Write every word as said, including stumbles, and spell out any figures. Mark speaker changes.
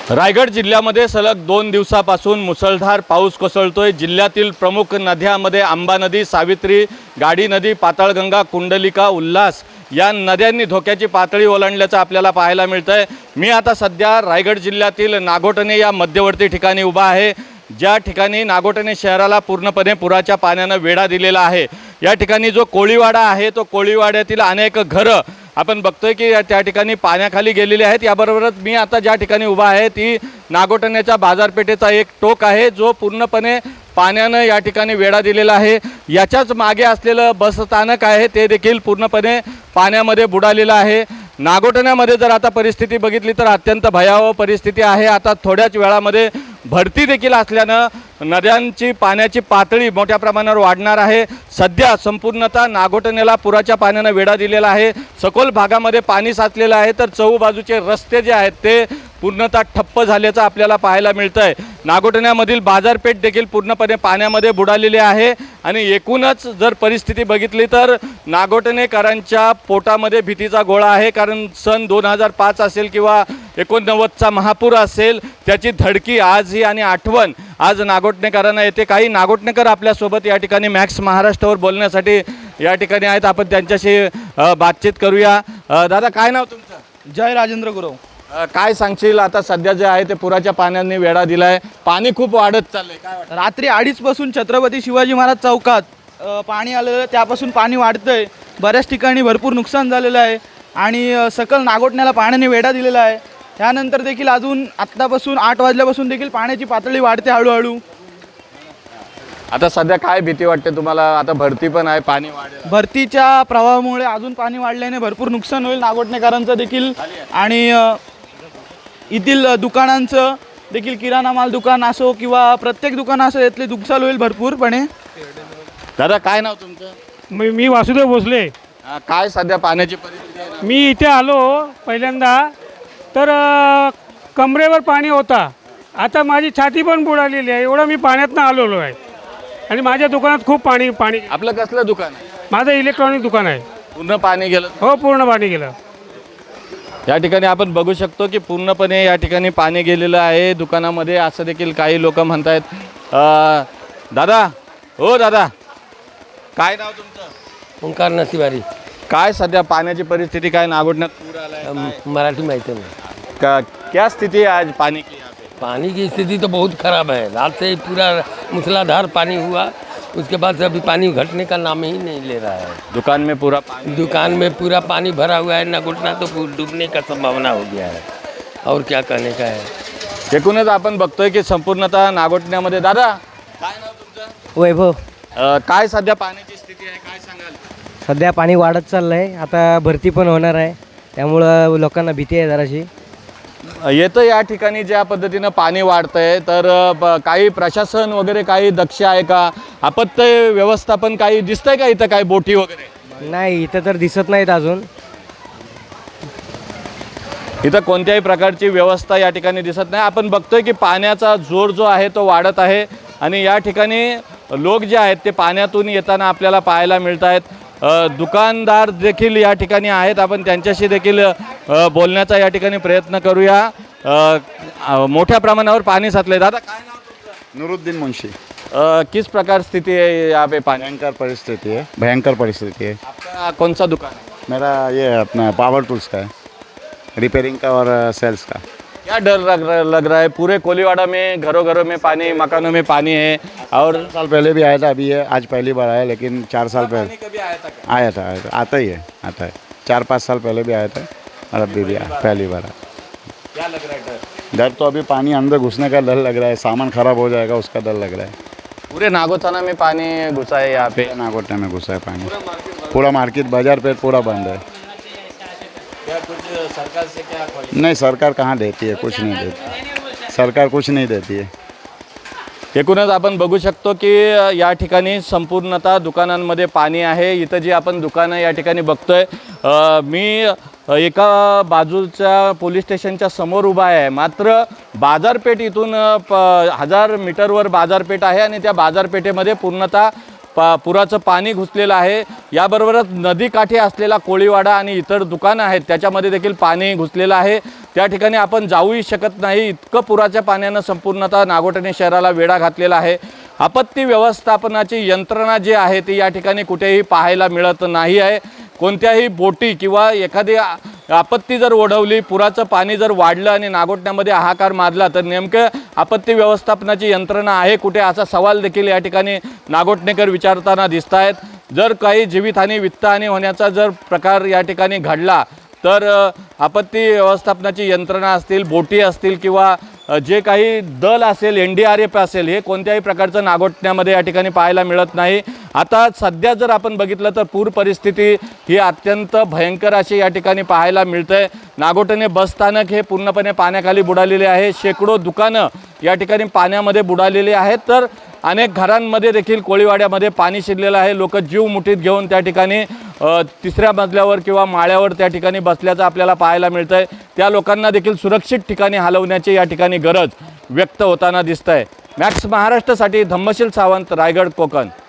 Speaker 1: रायगड जिल्ह्यामध्ये सलग दोन दिवसापासून मुसळधार पाऊस कोसळतोय। जिल्ह्यातील प्रमुख नद्यांमध्ये आंबा नदी, सावित्री, गाडी नदी, पाताळगंगा, कुंडलिका, उल्हास या नद्यांनी धोक्याची पातळी ओलांडल्याचं आपल्याला पाहायला मिळतंय। मी आता सध्या रायगड जिल्ह्यातील नागोठणे या मध्यवर्ती ठिकाणी उभा आहे, ज्या ठिकाणी नागोठणे शहराला पूर्णपणे पुराच्या पाण्याने वेढा दिलेला आहे। या ठिकाणी जो कोळीवाडा आहे तो कोळीवाड्यातील अनेक घरं आपण बघतोय की त्या ठिकाणी पाण्याखाली गेलेली आहेत। याबरोबरच मी आता ज्या ठिकाणी उभा आहे ती नागोठण्याच्या बाजारपेठेचा एक टोक आहे, जो पूर्णपणे पाण्यानं या ठिकाणी वेढा दिलेला आहे। याच्याच मागे असलेलं बस स्थानक आहे ते देखील पूर्णपणे पाण्यामध्ये बुडालेलं आहे। नागोठण्यामध्ये जर आता परिस्थिती बघितली तर अत्यंत भयावह परिस्थिती आहे। आता थोड्याच वेळामध्ये भरती देखील असल्यानं नद्यांची पाण्याची पातळी मोठ्या प्रमाणावर वाढणार आहे। सध्या संपूर्णतः नागोठण्याला पुराच्या पाण्याने वेढा दिलेला आहे। सखोल भागामध्ये पाणी साचलेलं आहे, तर चहूबाजूचे रस्ते जे आहेत ते पूर्णतः ठप्प झाल्याचं आपल्याला पाहायला मिळतंय। नागोठण्यामधील बाजारपेठ देखील पूर्णपणे पाण्यामध्ये बुडालेली आहे आणि एकूणच जर परिस्थिती बघितली तर नागोठणेकरांच्या पोटामध्ये भीतीचा गोळा आहे, कारण सन दोन हजार पाच असेल किंवा एकोणनव्वदचा महापूर असेल, त्याची धडकी आजही आणि आठवण आज नागोठणेकरांना येते। काही नागोठणेकर आपल्यासोबत या ठिकाणी मॅक्स महाराष्ट्रावर बोलण्यासाठी या ठिकाणी आहेत, आपण त्यांच्याशी बातचीत करूया। दादा, काय नाव तुमचं?
Speaker 2: जय राजेंद्र गुरव।
Speaker 1: काय सांगशील, आता सध्या जे आहे ते पुराच्या पाण्याने वेढा दिलाय, पाणी खूप वाढत चाललंय, काय वाटतं?
Speaker 2: रात्री अडीच पासून छत्रपती शिवाजी महाराज चौकात अ, पाणी आलेलं, त्यापासून पाणी वाढतंय। बऱ्याच ठिकाणी भरपूर नुकसान झालेलं आहे आणि अ, सकल नागोठण्याला पाण्याने वेढा दिलेला आहे। त्यानंतर देखील अजून आत्तापासून आठ वाजल्यापासून देखील पाण्याची पातळी वाढते हळूहळू।
Speaker 1: आता सध्या काय भीती वाटते तुम्हाला? आता भरती पण आहे, पाणी वाढेल,
Speaker 2: भरतीच्या प्रवाहामुळे अजून पाणी वाढल्याने भरपूर नुकसान होईल नागोठणेकरांचं देखील आणि अ, येथील दुकानांचं देखील, किराणा माल दुकान असो किंवा प्रत्येक दुकान असो, यातले नुकसान होईल भरपूरपणे।
Speaker 1: दादा, काय नाव तुमचं?
Speaker 3: मी मी वासुदेव भोसले।
Speaker 1: अं, काय सध्या पाण्याची परिस्थिती आहे ना?
Speaker 3: मी इथे आलो पहिल्यांदा तर अ, कमरेवर पाणी होता, आता माझी छाती पण बुडालेली आहे, एवढं मी पाण्यातनं आलेलो आहे आणि माझ्या दुकानात खूप पाणी पाणी
Speaker 1: आपलं कसलं दुकान आहे?
Speaker 3: माझं इलेक्ट्रॉनिक दुकान आहे।
Speaker 1: पूर्ण पाणी गेलं?
Speaker 3: हो, पूर्ण पाणी गेलं।
Speaker 1: या ठिकाणी आपण बघू शकतो की पूर्णपणे या ठिकाणी पाणी गेलेलं आहे दुकानामध्ये, असं देखील काही लोक म्हणतायत। अं, दादा, हो दादा, काय नाव तुमचं?
Speaker 4: ओंकार नसिवारी।
Speaker 1: काय सध्या पाण्याची परिस्थिती काय नागोठण्यात पूर आलाय, काय?
Speaker 4: मराठी माहिती नहीं।
Speaker 1: का क्या स्थिति है आज पानी की यहाँ पे?
Speaker 4: पानी की स्थिति तो बहुत ख़राब है। रात से ही पूरा मूसलाधार पानी हुआ, उसके बाद से अभी पानी घटने का नाम ही नहीं ले रहा है।
Speaker 1: दुकान में पूरा पानी,
Speaker 4: दुकान में पूरा पानी भरा हुआ है, न घुटना तो डूबने का संभावना हो गया है। और क्या कहने का है।
Speaker 1: एकूणच आपण बघतोय की संपूर्णतः नागोठण्यामध्ये, दादा काय नाव तुमचं?
Speaker 5: वैभव।
Speaker 1: अं, काय सध्या पाण्याची स्थिती आहे, काय सांगाल?
Speaker 5: सध्या पाणी वाढत चाललं आहे, आता भरती पण होणार आहे, त्यामुळं लोकांना भीती आहे जराशी।
Speaker 1: येतं या ठिकाणी ज्या पद्धतीनं पाणी वाढतंय, तर ब- काही प्रशासन वगैरे काही दक्ष आहे का? आपत्ती व्यवस्थापन काही दिसतंय का इथं, काही बोटी वगैरे?
Speaker 5: नाही, इथं तर दिसत नाहीत अजून।
Speaker 1: इथं कोणत्याही प्रकारची व्यवस्था या ठिकाणी दिसत नाही। आपण बघतोय की पाण्याचा जोर जो आहे तो वाढत आहे आणि या ठिकाणी लोक जे आहेत ते पाण्यातून येताना आपल्याला पाहायला मिळत आहेत। अ, दुकानदार देखील या ठिकाणी आहेत, आपण त्यांच्याशी देखील अ, बोलण्याचा या ठिकाणी प्रयत्न करूया। अ, अ, मोठ्या प्रमाणावर पाणी साचले। दादा, काय नाव तुमचं?
Speaker 6: नूरुद्दीन मुंशी।
Speaker 1: अ, किस प्रकार स्थिति है यहाँ पे पानी?
Speaker 6: भयंकर परिस्थिति है, भयंकर परिस्थिति है।
Speaker 1: आपका कौन सा दुकान है?
Speaker 6: मेरा ये अपना पावर टूल्स का है, रिपेयरिंग का और सेल्स का।
Speaker 1: क्या डर लग रहा लग रहा है? पूरे कोलीवाड़ा में घरों घरों में पानी, मकानों में पानी है, और
Speaker 6: चार साल पहले भी आया था, अभी है आज पहली बार आया, लेकिन चार साल
Speaker 1: पानी
Speaker 6: पहले
Speaker 1: कभी आया था क्या?
Speaker 6: आया था आया था आता ही है आता है चार पाँच साल पहले भी आया था और अभी भी आया, पहली बार आया।
Speaker 1: क्या लग रहा है डर?
Speaker 6: डर तो अभी पानी अंदर घुसने का डर लग रहा है, सामान खराब हो जाएगा उसका डर लग रहा है।
Speaker 1: पूरे नागोथाना में पानी घुसा है यहाँ पे।
Speaker 6: नागोठने में घुसा है पानी, पूरा मार्केट बाजार पे पूरा बंद है।
Speaker 1: क्या कुछ सरकार से क्या क्वालिटी?
Speaker 6: नहीं, सरकार कहाँ देती है, कुछ नहीं देती सरकार, कुछ नहीं देती है।
Speaker 1: एकूणच आपण बघू शकतो की या ठिकाणी संपूर्णतः दुकानांमध्ये पाणी आहे। इथं जी आपण दुकानं या ठिकाणी बघतोय, अ, मी एका बाजूच्या पोलीस स्टेशनच्या समोर उभा आहे, मात्र बाजारपेठ इथून प हजार मीटरवर बाजारपेठ आहे आणि त्या बाजारपेठेमध्ये पूर्णतः पा पुराचं पाणी घुसलेलं आहे। याबरोबरच नदीकाठी असलेला कोळीवाडा आणि इतर दुकानं आहेत त्याच्यामध्ये देखील पाणी घुसलेलं आहे। त्या ठिकाणी आपण जाऊही शकत नाही, इतकं पुराच्या पाण्यानं संपूर्णतः नागोठणे शहराला वेढा घातलेला आहे। आपत्ती व्यवस्थापनाची यंत्रणा जी आहे ती या ठिकाणी कुठेही पाहायला मिळत नाही आहे। कोणत्याही बोटी किंवा एखादी आपत्ती जर ओढवली, पुराचं पाणी जर वाढलं आणि नागोठण्यामध्ये हाहाकार माजला तर नेमकं आपत्ती व्यवस्थापनाची यंत्रणा आहे कुठे, असा सवाल देखील या ठिकाणी नागोठणेकर विचारताना दिसत आहेत। जर काही जीवितहानी वित्तहानी होण्याचा जर प्रकार या ठिकाणी घडला तर आपत्ती व्यवस्थापनाची यंत्रणा असतील, बोटी असतील किंवा जे काही दल असेल, एन डी आर एफ असेल, हे कोणत्याही प्रकारचं नागोठण्यामध्ये या ठिकाणी पाहायला मिळत नाही। आता सध्या जर आपण बघितलं तर पूर परिस्थिती ही अत्यंत भयंकर अशी या ठिकाणी पाहायला मिळते। नागोठणे बसस्थानक हे पूर्णपणे पाण्याखाली बुडालेले आहे। शेकडो दुकानं या ठिकाणी पाण्यामध्ये बुडालेली आहेत, तर अनेक घरांमध्ये देखील कोळीवाड्यामध्ये पाणी शिरलेलं आहे। लोक जीव मुठीत घेऊन त्या ठिकाणी तिसऱ्या मजल्यावर किंवा माळ्यावर त्या ठिकाणी बसल्याचं आपल्याला पाहायला मिळतं आहे। त्या लोकांना देखील सुरक्षित ठिकाणी हलवण्याची या ठिकाणी गरज व्यक्त होताना दिसत आहे। मॅक्स महाराष्ट्रासाठी धम्मशील सावंत, रायगड, कोकण।